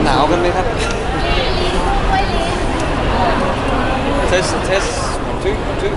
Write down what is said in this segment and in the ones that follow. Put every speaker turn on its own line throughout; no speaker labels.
หนาวกันไหมครับ
ด้วยลิส
test test 1 2 1 2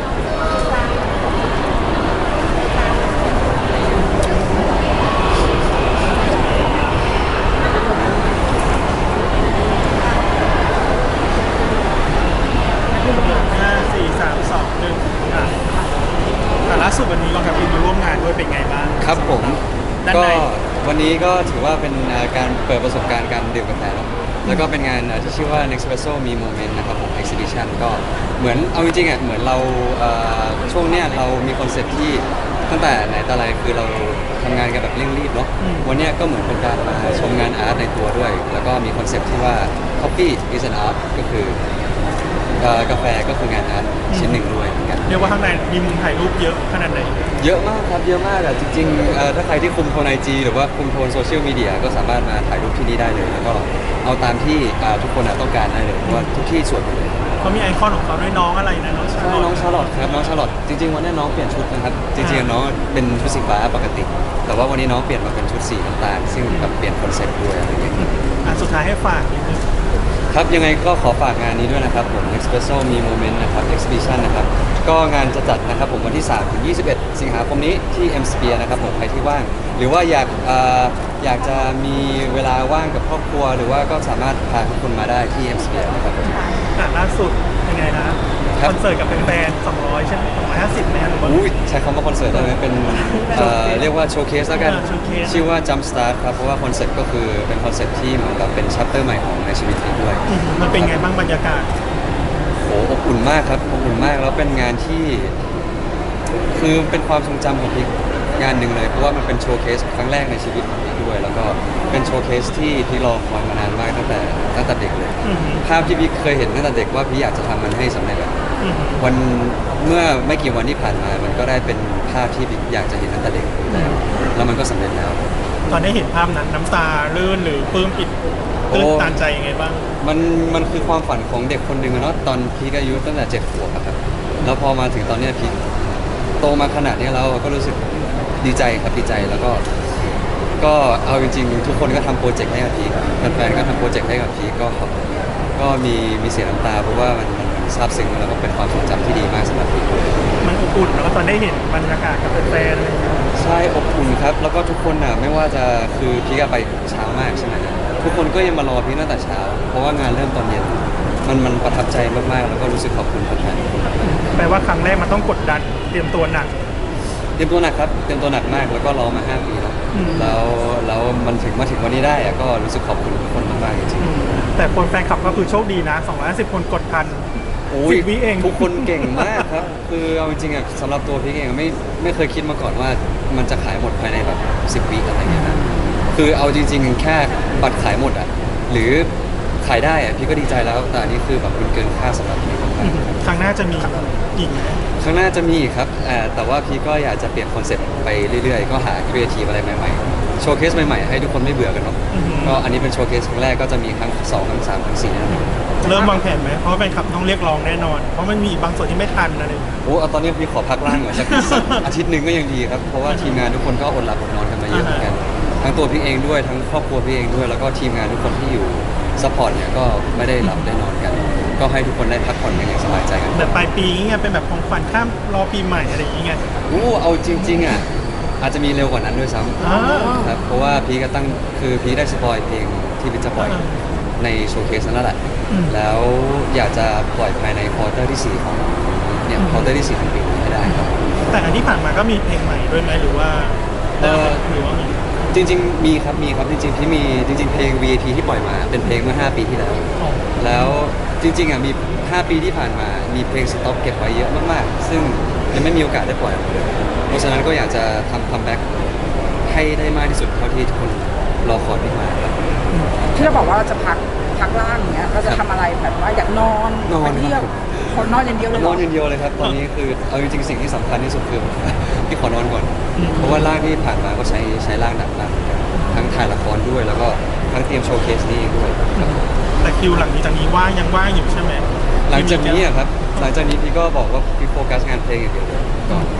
5 4 3 2 1แต่ล่าสุดวันนี้เรากับพิมมาร่วมงานด้วยเป็นไงบ้าง
ครับผม
ด้าน
ก็
ใน
วันนี้ก็ถือว่าเป็นการเปิดประสบการณ์การดื่มกาแฟเนอะแล้วก็เป็นงานที่ชื่อว่า Nespresso มี Moment นะครับผม Exhibition ก็เหมือนเอาจริงๆอ่ะเหมือนเราช่วงเนี้ยเรามีคอนเซ็ปต์ที่ตั้งแต่ไหนแต่ไรคือเราทำงานกันแบบเร่งรีบเนาะวันเนี้ยก็เหมือนเป็นการมาชมงานอาร์ตในตัวด้วย แล้วก็มีคอนเซ็ปต์ที่ว่า Coffee is an art ก็คือกาแฟก็คืองานอาร์ตชิ้นหนึ่งด้วยเหมือนกัน
เรียกว่าข้างในมีมุมถ่ายรูปเยอะขนาดไหน
เยอะมากครับเยอะมากอ่ะจริงๆถ้าใครที่คุมโทนไอจีหรือว่าคุมโทนโซเชียลมีเดียก็สามารถมาถ่ายรูปที่นี่ได้เลยแล้วก็เอาตามที่ทุกคนต้องการได้เลยเพราะว่าทุกที่สวยหมดเลย
เขามีไอคอนของเขาด้วยน้องอะไรนะน้องชา
ใช่
ลอต
น้องชาร์ลอตครับน้องชาร์ลอตจริงๆวันนี้น้องเปลี่ยนชุดนะครับจริงๆน้องเป็นชุดสีฟ้าปกติ แต่ว่าวันนี้น้องเปลี่ยนมาเป็นชุดสีน้ำตาลซึ่งแบบเปลี่ยนคอนเซ็ปต์ด้วยอะไรอย่างเงี้ย
สุดท้ายให้ฝากนิดนึง
ครับยังไงก็ขอฝากงานนี้ด้วยนะครับผม Nespresso มี Moment นะครับ Exhibition นะครับก็งานจะจัดนะครับผมวันที่3 ถึง 21 สิงหาคมนี้ที่ M Sphere นะครับผมใครที่ว่าง หรือว่าอยากจะมีเวลาว่างกับครอบครัว หรือว่าก็สามารถพาทุกคนมาได้ที่ M Sphere นะครับผม
ล่าสุดยังไงนะคอนเสิร์ตกับแฟนๆ200ใช่ไหม250ไหมหรือว่า
อุ้ยใช้คำว่าคอนเสิร์ตได้ไหมเป็นเรียกว่าโชว์เคสแล้วกัน
โชว์เคส
ชื่อว่า Jump Start ครับเพราะว่าคอนเซ็ปต์ก็คือเป็นคอนเซ็ปต์ที่เหมือนกับเป็นชัปเตอร์ใหม่ของในชีวิตนี้ด้วย
มันเป็นไงบ้างบรรยากาศ
โอ้อบอุ่นมากครับอบอุ่นมากแล้วเป็นงานที่คือเป็นความทรงจำของพีคงานหนึ่งเลยเพราะว่ามันเป็นโชว์เคสครั้งแรกในชีวิตของพีคด้วย แล้วก็เป็นโชว์เคสที่พีครอคอยมานานมากตั้งแต่เด็กเลย ภาพที่พีคเคยเห็นตั้งแต่เด็กว่าพีคอยากจะทำมันให้สำเร็จอะวันเมื่อไม่กี่วันที่ผ่านมามันก็ได้เป็นภาพที่พีคอยากจะเห็นตั้งแต่เด็กอยู่แล้วมันก็สำเร็จแล้ว
ตอนได้เห็นภาพนั้นน้ำตาลื่นหรือปลื้มปิดตื้นตันใจยังไงบ้าง
มันคือความฝันของเด็กคนหนึ่งอะเนาะตอนพีคอายุตั้งแต่7 ขวบอะครับแล้วพอมาถึงตอนเนี้ยพีคโตมาขนาดนี้แล้วก็รู้สึกดีใจครับดีใจแล้วก็เอาจริงๆทุกคนก็ทำโปรเจกต์ให้กับพีคแฟนๆก็ทำโปรเจกต์ให้กับพีคก็มีเสียน้ำตาเพราะว่ามันซาบซึ้งแล้วก็เป็นความทรงจำที่ดีมากสำหรับพีค
มันอบอุ่นแล้วก็ตอนได้เห็นบรรยากาศกับแฟนๆอะไรอย่างเงี้ย
ใช่อบอุ่นครับแล้วก็ทุกคนอ่ะไม่ว่าจะคือพีคไปเช้ามากใช่ไหมทุกคนก็ยังมารอพีคตั้งแต่เช้า เพราะว่างานเริ่มตอนเย็นมันประทับใจมากๆแล้วก็รู้สึกขอบคุณแฟนๆ
แปลว่าครั้งแรกมันต้องกดดันเตรียมตัวหนัก
เตรียมตัวหนักครับเตรียมตัวหนักมากแล้วก็รอมา5 ปีแล้วแล้วมันมาถึงวันนี้ได้อะก็รู้สึกขอบคุณทุกคนมากๆจริง
แต่คนแฟนคลับก็คือโชคดีนะ250คนกดทัน
ๆโอ้ย
10 วิเอง
ทุกคนเก่งมากครับ คือเอาจริงๆอ่ะสำหรับตัวพี่เองไม่เคยคิดมาก่อนว่ามันจะขายหมดภายในแบบ10 วิอะไรเงี้ยนะคือเอาจริงๆแค่บัตรขายหมดอ่ะหรือขายได้อ่ะพี่ก็ดีใจแล้วแต่อันนี้คือแบบมันเกินคาดสำหรับพี่มากๆ
ครั้งหน้าจะมีอีกไหม
ข้างหน้าจะมีอีกครับแต่ว่าพี่ก็อยากจะเปลี่ยนคอนเซ็ปต์ไปเรื่อยๆ ก็หาครีเอทีฟอะไรใหม่ๆ โชว์เคสใหม่ๆ ให้ทุกคนไม่เบื่อกันเนาะ ก็อันนี้เป็นโชว์เคสครั้งแรกก็จะมีครั้ง2 ครั้ง 3 ครั้ง 4นะ
เริ่มวางแผนไหมเพราะแฟนคลับต้องเรียกร้องแน่นอน เพราะมันมีบางส่วนที่ไม่ทันอะไรอย่างเงี้ย
โอ้เอาตอนนี้พี่ขอพักร่างก่อนสักอาทิตย์หนึ่งก็ยังดีครับ เพราะว่าทีมงานทุกคนก็อดหลับอดนอนกันมาเยอะเหมือนกัน ทั้งตัวพี่เองด้วย ทั้งครอบครัวพี่เองด้วย แล้วก็ทีมงานทุกคนที่อยู่ซัพพอร์ตเนี่ยก็ไม่ได้หลับได้นอนกัน ก็ให้ทุกคนได้พักผ่อนกันอย่างสบายใจกัน
แบบปลายปีเงี้ยเป็นแบบของขวัญข้ามรอปีใหม่อะไรอย่างเงี้ย
เอาจริงๆอ่ะอาจจะมีเร็วกว่านั้นด้วยซ้
อ่า
ำครับเพราะว่าพีก็คือพีได้สปอยเพลงที่พีจะปล่อยในโชว์เคสนั่นแหละ แล้วอยากจะปล่อยภายในควอเตอร์ที่ 4 ของเนี่ยควอเตอร์ที่ 4 ของปีนี้ให้ได้ครับ
แต่อันที่ผ่านมาก็มีเพลงใหม่ด้วยไหมหรือว่า หรือว่ามี
จริงๆมีครับจริงๆพี่มีจริงๆเพลง VAT ที่ปล่อยมาเป็นเพลงเมื่อ5 ปีที่แล้ว
อ๋อ
แล้วจริงๆอ่ะมี5 ปีที่ผ่านมามีเพลงสต็อกเก็บไว้เยอะมากๆ ซึ่งยังไม่มีโอกาสได้ปล่อยออกมาเลยเพราะฉะนั้นก็อยากจะทำคัมแบ็กให้ได้มากที่สุดเท่าที่ทุกคนรอคอยพี่มาครับ
ที่เราบอกว่าเราจะพักร่างอย่างเงี้ยเราจะทำอะไรแบบว่าอยากนอน
นอน
ไปเที่ยวคนนอนอย่างเดียวเลยเห
น
ร
อนอย่างเดียวเลยครับตอนนี้คือเอาจริงๆสิ่งที่สำคัญที่สุดคือ พี่ขอนอนก่อน เพราะว่าร่างที่ผ่านมาก็ใช้ร่างหนักมากเหมือนกันทั้งถ่ายละครด้วยแล้วก็ทั้งเตรียมโชว์เคสนี้เองด้วยครับ
แต่คิวหลังจากนี้ว่างยังว่างอยู่ใช่ไหม
หลังจากนี้อะครับหลังจากนี้พี่ก็บอกว่าพี่โฟกัสงานเพลงอย่างเดียวเลยก่อน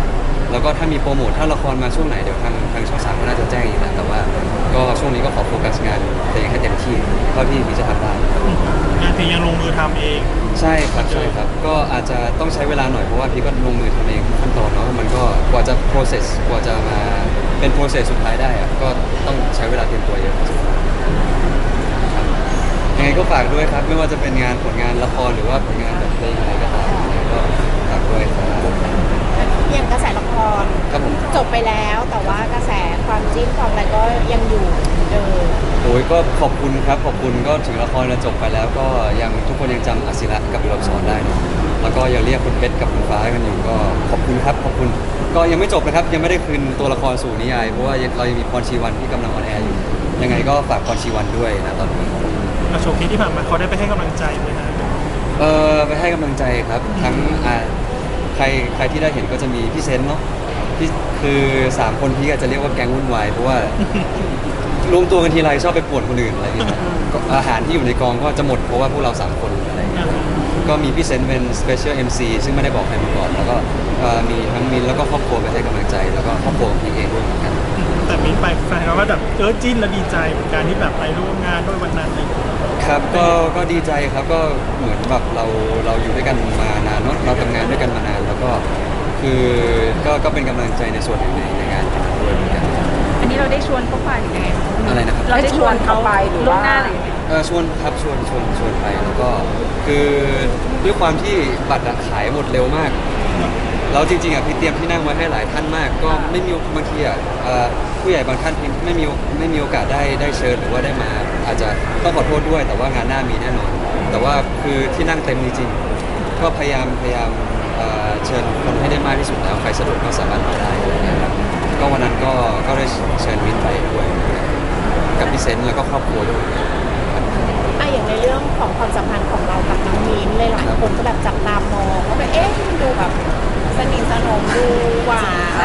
แล้วก็ถ้ามีโปรโมทถ้าละครมาช่วงไหนเดี๋ยวทางช่อง3ก็น่าจะแจ้งอีกแหละแต่ว่าก็ช่วงนี้ก็ขอโฟกัสงานเพลงให้เต็มที่เท่าที่พีจะทำได้
งานเพลงยังลงมือทำเอง
ใช่ครับใช่ครับก็อาจจะต้องใช้เวลาหน่อยเพราะว่าพี่ก็ลงมือทำเองทุกขั้นตอนเนาะมันก็กว่าจะ process กว่าจะมาเป็น process สุดท้ายได้อะก็ต้องใช้เวลาเตรียมตัวเยอะพอสมควรครับยังไงก็ฝากด้วยครับไม่ว่าจะเป็นงานผลงานละครหรือว่าผลงานแบบเพลงอะไรก็ตามยังไงก็ฝากด้วยครับ
อย่างกระแสละคร
ครับผม
จบไปแล้วแต่ว่ากระแสความจิ้นความอะไรก็ยังอยู่เหมือนเดิม
โอ้ยก็ขอบคุณครับขอบคุณก็ถึงละครจะจบไปแล้วก็ยังทุกคนยังจำอาศิระกับเราสอนได้เนอะแล้วก็ยังเรียกคุณเพชรกับคุณฟ้ากันอยู่ก็ขอบคุณครับขอบคุณก็ยังไม่จบนะครับยังไม่ได้คืนตัวละครสู่นิยายเพราะว่าเรายังมีพรชีวันที่กำลังออนแอร์อยู่ยังไงก็ฝากพรชีวันด้วยนะตอนนี้
โชว์ที่ผ่านมาเขาได้ไปให้กำลังใจไหมฮะ
ไปให้กำลังใจครับทั้งใครที่ได้เห็นก็จะมีพี่เซนเนาะพี่คือ3 คนพี่อาจจะเรียกว่าแก๊งวุ่นวายเพราะว่ารวมตัวกันทีไรชอบไปป่วนคนอื่นอะไรอย่างเงี้ยก็อาหารที่อยู่ในกองก็จะหมดเพราะว่าพวกเรา3 คนอะไรอย่างเงี้ยก็มีพี่เซนเป็น Special MC ซึ่งไม่ได้บอกใครมาก่อนแล้วก็มีทั้งมินแล้วก็ครอบครัวไปให้กำลังใจแล้วก็ครอบครัวของพี่เองด้วยเหมือนกัน
แต่มิ้นไปแฟนเขาก็แบบจิ้นและดีใจเหมือนกันที่แบบไปร่วมงานด้วยวันนั้นอะไรอย่างเงี้ย
ครับก็ดีใจครับก็เหมือนแบบเราอยู่ด้วยกันมานานเนอะเราทำงานด้วยกันมานานแล้วก็คือก็เป็นกำลังใจในส่วนหนึ่งในงานด้วยเหมือนกัน
อันนี้เราได้ชวนเขาไปหรือไง
อะไรนะครับ
เราได้ชวนเขาไปหรือล่วงหน้าหรือยังไง
ชวนครับชวนไปแล้วก็คือด้วยความที่บัตรอะขายหมดเร็วมากแล้วจริงๆอ่ะพี่เตรียมที่นั่งไว้ให้หลายท่านมาก ก็ไม่มีบางทีอ่ะผู้ใหญ่บางท่านไม่มีโอกาสได้เชิญหรือว่าได้มา อาจจะต้องขอโทษด้วย แต่ว่างานหน้ามีแน่นอน แต่ว่าคือที่นั่งเต็มจริงๆก็พยายามเชิญคนให้ได้มากที่สุดแล้วใครสะดวกก็สามารถมาได้อะไรเงี้ยครับก็วันนั้นก็ได้เชิญวินไปด้วยกับพี่เซนต์แล้วก็ครอบครัวด้วย
อย่างในเรื่องของความสัมพันธ์ของเรากับน้องมิ้นท์หลายๆคนก็แบบจับตามองว่าแบบมันดูแบบสนิทสนมดูหวาน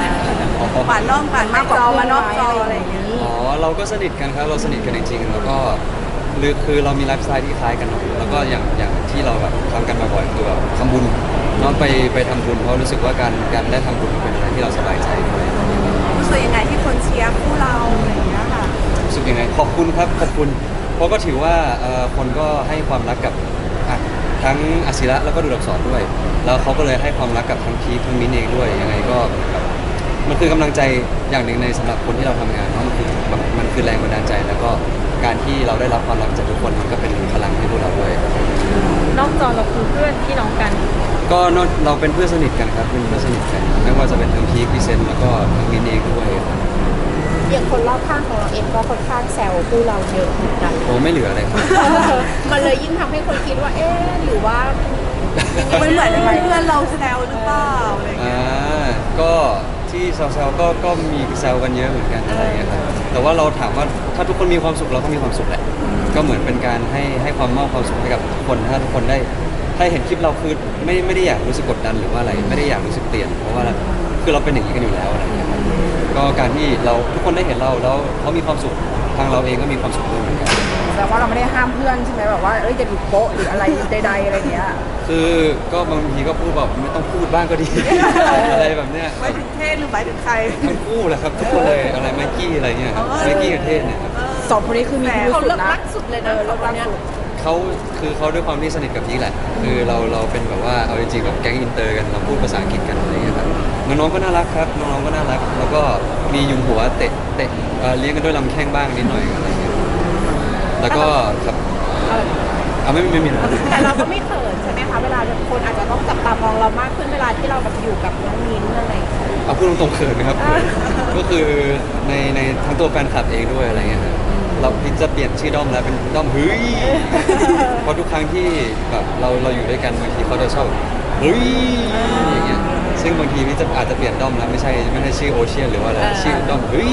หวานนอกหวานมากกว่าเพื่อนนอกจออะไรอย่างนี้
อ๋อเราก็สนิทกันครับเราสนิทกันจริงๆแล้วก็คือเรามีไลฟ์สไตล์ที่คล้ายกันเนอะแล้วก็อย่างที่เราแบบทำกันบ่อยๆคือแบบทำบุญน้องไปทำบุญเพราะรู้สึกว่าการได้ทำบุญเป็นอะไรที่เราสบายใจด้วย
รู้สึกยังไงที่คนเชียร์คู่เราอะไรอย่างเงี้ยค่ะ
รู้สึกยังไงขอบคุณครับขอบคุณ เพราะก็ถือว่าคนก็ให้ความรักกับทั้งอาศิระแล้วก็ดูดับสอนด้วย แล้วเขาก็เลยให้ความรักกับทั้งพีคทั้งมิ้นเองด้วยยังไงก็แบบมันคือกำลังใจอย่างหนึ่งในสำหรับคนที่เราทำงานเพราะมันคือแรงบันดาลใจ แล้วก็การที่เราได้รับความรักจากทุกคนมันก็เป็นพลังให้พวกเราด้วย
นอกจอเราคือเพื่อนพี่น้องกัน
ก็เราเป็นเพื่อนสนิทกันครับเป็นเพื่อนสนิทกันไม่ว่าจะเป็นทั้งพีคพี่เซนแล้วก็ทั้งมิ้นเองด้วยครับ
อย่างคนรอบข้างของเราเองก็ค่อนข้างแซวคู่เราเยอะเหมือนกัน
โอ้ไม่เหลืออะไรครับ
มันเลยยิ่งทำให้คนคิดว่าหรือว่ายังไง
มันเหมือนเพื่อนเราแซวหรือเปล่าอะไรอย่างเงี้ย
ก็ที่แซวๆก็มีแซวกันเยอะเหมือนกันอะไรเงี้ยครับแต่ว่าเราถามว่าถ้าทุกคนมีความสุขเราก็มีความสุขแหละก็เหมือนเป็นการให้ความมอบความสุขให้กับทุกคนถ้าทุกคนได้ถ้าเห็นคลิปเราคือไม่ได้อยากรู้สึกกดดันหรือว่าอะไรไม่ได้อยากรู้สึกเปลี่ยนเพราะว่าคือเราเป็นอย่างนี้กันอยู่แล้วอะไรเงี้ยครับก็การที่เราทุกคนได้เห็นเราแล้วเขามีความสุขทางเราเองก็มีความสุขด้วยเหมือนกัน
แต่ว่าเราไม่ได้ห้ามเพื่อนใช่ไหมแบบว่าจะดูโป๊ะหรืออะไรใดๆอะไรเงี้ย
คือก็บางทีก็พูดแบบไม่ต้องพูดบ้างก็ดี อะไรแบบเนี้ย
หมายถึงเทศหรือหมายถึงใคร
ทั้งคู่แหละครับทุกคนเลยอะไรไมกี้อะไรเงี้ยครับไมกี้กับเทศเนี่ยครับ
สองคนนี้คือมีพิรุธ
เขา
สุด
เลิก
นะ
รักสุดเลยนะ
เลิกรัก
เนี่ย
สุด
เขาด้วยความที่สนิทกับพีคแหละคือเราเป็นแบบว่าเอาจริงๆแบบแก๊งอินเตอร์กันเราพูดภาษาอังกฤษกันอะไรเงี้ยครับน้องๆก็น่ารักครับน้องๆก็น่ารักแล้วก็มียุมหัวเตะเลี้ยงกันด้วยลำแข้งบ้างนิดหน่อยอะไรเงี้ยแล้วก็ครับไม่มีหรอก
แต่เราก็ไม่เขินใช่ไหมคะเวลาคนอาจจะต้องจับตามองเรามากขึ้นเวลาที่เราแบบอยู่กับน้องมิ้นท์อะไรอย่างเงี้ย
เอาพูดตรงๆเขินนะครับก็คือในทั้งตัวแฟนคลับเองด้วยอะไรเงี้ยครับเราพิจะเปลี่ยนชื่อด้อมแล้วเป็นด้อมเฮ้ยเพราะทุกครั้งที่แบบเราอยู่ด้วยกันบางทีเขาจะชอบเฮ้ยอย่างเงี้ยซึ่งบางทีพี่จะอาจจะเปลี่ยนด้อมแล้วไม่ใช่ชื่อโอเชียนหรือว่าอะไรชื่อด้อมเฮ้ย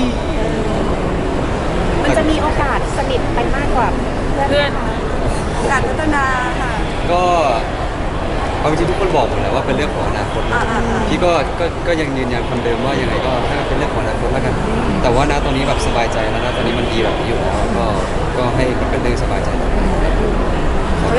มันจะมีโอกาสสนิทไปมากกว่าเพื่อนไหมคะ
การพัฒนาค่ะ
ก็เอาจริงๆทุกคนบอกหมดแหละว่าเป็นเรื่องของอนาคตนะพี่ก็ยังยืนยันคำเดิมว่ายังไงก็ถ้าเป็นเรื่องของอนาคตแล้วกัน แต่ว่าณตอนนี้แบบสบายใจแล้วนะตอนนี้มันดีแบบนี้อยู่แล้วก็ให้มันเป็นเรื่องสบายใจต่อไป
เขาจะถาม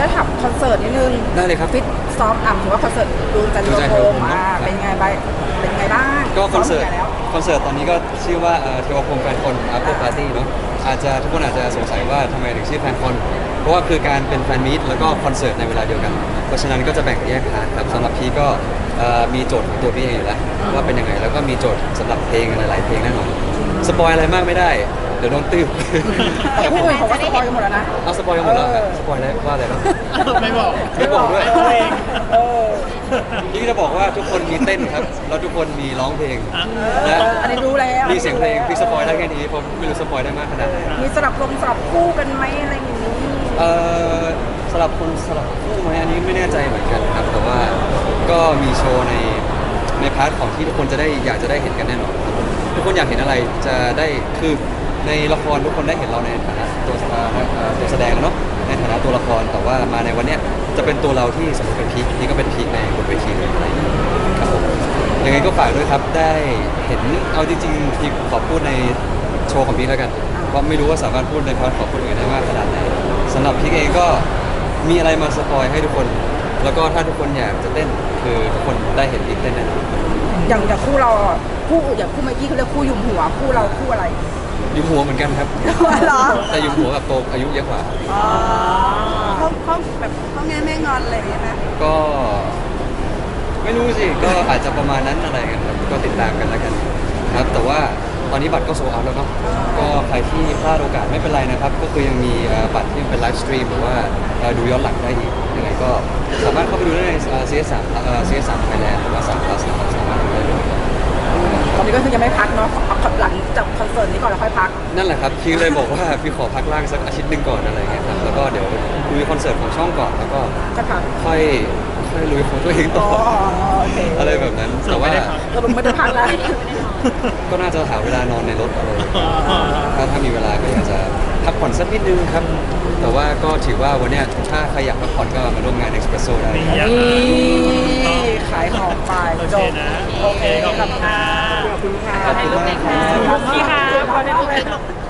คอนเสิร์ตนิดนึง
ได้เลยครับ
ฟิตซ้อมถือว่าคอนเสิร์ตดูจันท
ดูจันท
ร์
ร์
โฮ
โฮ
ม
มเนอะ
เป็นไงบ้างเป็นไงบ้าง
ก็คอนเสิร์ต
ซ้มไปแล้ว
คอนเสิร์ตตอนนี้ก็ชื่อว่าเทวพรหมแฟนคอน After Party เนาะอาจจะทุกคนอาจจะสงสัยว่าทำไมถึงชื่อแฟนคอนเพราะว่าคือการเป็นแฟนมีตแล้วก็คอนเสิร์ตในเวลาเดียวกัน เพราะฉะนั้นก็จะแบ่งแยกพาร์ทครับสำหรับพี่ก็มีโจทย์ของตัวพี่เองอยู่แล้วว่าเป็นยังไงแล้วก็มีโจทย์สำหรับเพลงหลายๆเพลงแน่นอนสปอยอะไรมากไม่ได้เดี๋ยวโดนตื้อ
แต่ผู้อื่นเขาก็สปอยกันหมดแล้วนะ
เอาสปอยกันหมดแล้วครับสปอยอะไรว่าอะไรบ้าง
ไม่บอก
ไม่บอกด้วย
ไม่บอกเอง
เออ
พี่จะบอกว่าทุกคนมีเต้นครับแล้วทุกคนมีร้องเพลง
เอ
และ
ออันนี้รู้แล้ว
มีเสียงเพลงพี่สปอยได้แค่นี้ผมไม่รู้สปอยได้มากขนาดไหน
มีสลับคู่กันไหมอะไรอย่างนี้
สลับคนสลับคู่ไหมอันนี้ไม่แน่ใจเหมือนกันครับ แต่ว่าก็มีโชว์ในพาร์ทของที่ทุกคนจะได้อยากจะได้เห็นกันแน่นอนครับทุกคนอยากเห็นอะไรจะได้คือในละครทุกคนได้เห็นเราในฐานะตัวแสดงเนาะในฐานะตัวละครแต่ว่ามาในวันเนี้ยจะเป็นตัวเราที่สมมติเป็นพีคนี่ก็เป็นพีคในบนเวทีเลยอะไรอย่างเงี้ยครับผมยังไงก็ฝากด้วยครับได้เห็นเอาจริงๆพีคขอพูดในโชว์ของพีคแล้วกันว่าไม่รู้ว่าสามารถพูดในพาร์ทของคนอื่นได้มากขนาดไหนสำหรับพีคเองก็มีอะไรมาสปอยให้ทุกคน แล้วก็ถ้าทุกคนอยากจะเต้นคือทุกคนได้เห็นพีคเต้นแน่นอน
อย่างคู่เราอ่ะคู่อย่างคู่เมื่อกี้เขาเรียกคู่ยุมหัวคู่เราคู่อะไร
ยุมหัวเหมือนกันครับ
เหรอ
แต่ยุมหัวกับโตอายุเยอะกว่า
เขาแบบเขาแง่แม่งอนอะไรอย่างเงี้ยไหม
ก็ไม่รู้สิ ก็อาจจะประมาณนั้นอะไรกันครับก็ติดตามกันแล้วกันครับ แต่ว่าตอนนี้บัตรก็โซเอาแล้วเนาะก็ใครที่พลาดโอกาสไม่เป็นไรนะครับ ก็คือยังมีบัตรที่เป็นไลฟ์สตรีมหรือว่าดูย้อนหลังได้อีกยังไงก็สามารถเข้าไปดูได้ใน CS3 CS3 Thailand หรือว่า3 Plus นะครับสามารถดูได้เลย
ตอนนี้ก็คือยังไม่พักเนาะเอาหลังจากคอนเสิร์ตนี้ก่อนแล้วค่อยพัก
นั่นแหละครับพี่เลยบอกว่าพี่ขอพักร่างสักอาทิตย์หนึ่งก่อนอะไรเงี้ยครับแล้วก็เดี๋ยวดูคอนเสิร์ตของช่องก่อนแล้วก็
จะพัก
ค่อยลุยของตัวเองต่อ
โอเค
อะไรแบบนั้น แต่ว่า
ก็ไม่ได้พักแล้ว
ก็น่าจะหาเวลานอนในรถอะไรถ้ามีเวลาก็อยากจะพักผ่อนสักนิดนึงครับ แต่ว่าก็ถือว่าวันเนี้ยถ้าใครอยากพักผ่อนก็มาร่วมงาน Espresso ได้ครับ
นี่ขายของไป
โอ
จ
เค
บ
นะ
โอเค
ขอบคุณค่ะ
ขอบคุณค่ะ
ขอให้ลูกเลยค่ะ
ขอบคุณค่ะ
ขอให้ลูกเลย